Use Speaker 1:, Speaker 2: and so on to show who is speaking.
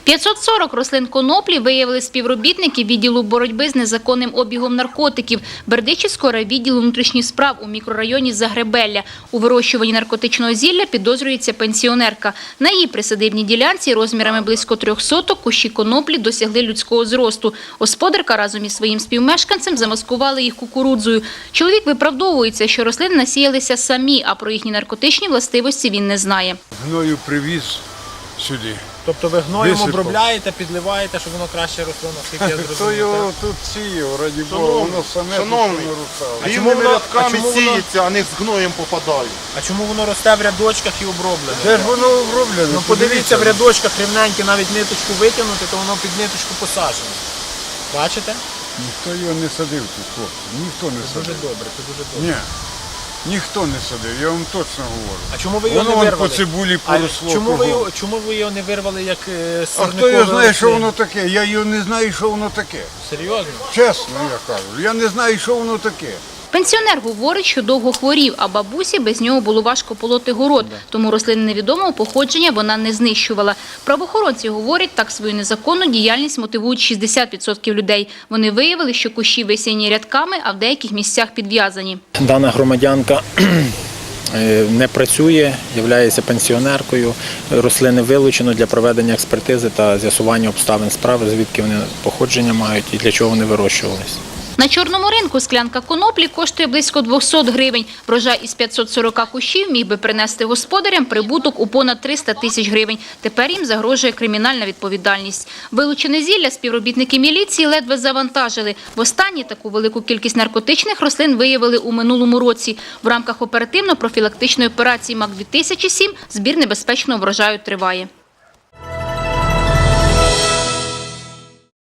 Speaker 1: 540 рослин коноплі виявили співробітники відділу боротьби з незаконним обігом наркотиків Бердичівського райвідділу внутрішніх справ у мікрорайоні Загребелля. У вирощуванні наркотичного зілля підозрюється пенсіонерка. На її присадибній ділянці розмірами близько 3 соток кущі коноплі досягли людського зросту. Господарка разом із своїм співмешканцем замаскували їх кукурудзою. Чоловік виправдовується, що рослини насіялися самі, а про їхні наркотичні властивості він не знає.
Speaker 2: Гною привіз сюди.
Speaker 3: Тобто ви гноєм
Speaker 2: Висипав.
Speaker 3: обробляєте, підливаєте, щоб воно краще росло, наскільки я
Speaker 2: Хто
Speaker 3: зрозумів.
Speaker 2: його тут сіяв, раді Бога, воно саме тут
Speaker 4: шановний,
Speaker 2: нарушало.
Speaker 3: А чому
Speaker 4: рівними
Speaker 3: воно-
Speaker 4: рядками
Speaker 3: а чому воно-
Speaker 4: сіється, а не з гноєм попадає.
Speaker 3: А чому воно росте в рядочках і оброблене?
Speaker 2: Де ж воно оброблене?
Speaker 3: Ну подивіться, в рядочках рівненькі, навіть ниточку витягнути, то воно під ниточку посаджено. Бачите?
Speaker 2: Ніхто його не садив тут, хлопці. Ніхто не
Speaker 3: Дуже
Speaker 2: садив.
Speaker 3: добре, це дуже добре.
Speaker 2: Ні. Ніхто не садив, я вам точно говорю.
Speaker 3: А чому ви його
Speaker 2: Воно
Speaker 3: не
Speaker 2: вон
Speaker 3: вирвали?
Speaker 2: по цибулі
Speaker 3: А
Speaker 2: поросло.
Speaker 3: чому ви його не вирвали як
Speaker 2: А
Speaker 3: сорнякове
Speaker 2: хто його знає, що
Speaker 3: рослин?
Speaker 2: воно таке? Я його не знаю, що воно таке.
Speaker 3: Серйозно?
Speaker 2: Чесно, я кажу. Я не знаю, що воно таке.
Speaker 1: Пенсіонер говорить, що довго хворів, а бабусі без нього було важко полоти город, тому рослини невідомого походження вона не знищувала. Правоохоронці говорять, так свою незаконну діяльність мотивують 60% людей. Вони виявили, що кущі висіяні рядками, а в деяких місцях підв'язані.
Speaker 5: Дана громадянка не працює, є пенсіонеркою. Рослини вилучено для проведення експертизи та з'ясування обставин справи, звідки вони походження мають і для чого вони вирощувалися.
Speaker 1: На чорному ринку склянка коноплі коштує близько 200 гривень. Врожай із 540 кущів міг би принести господарям прибуток у понад 300 тисяч гривень. Тепер їм загрожує кримінальна відповідальність. Вилучене зілля співробітники міліції ледве завантажили. Востаннє таку велику кількість наркотичних рослин виявили у минулому році. В рамках оперативно-профілактичної операції МАК-2007 збір небезпечного врожаю триває.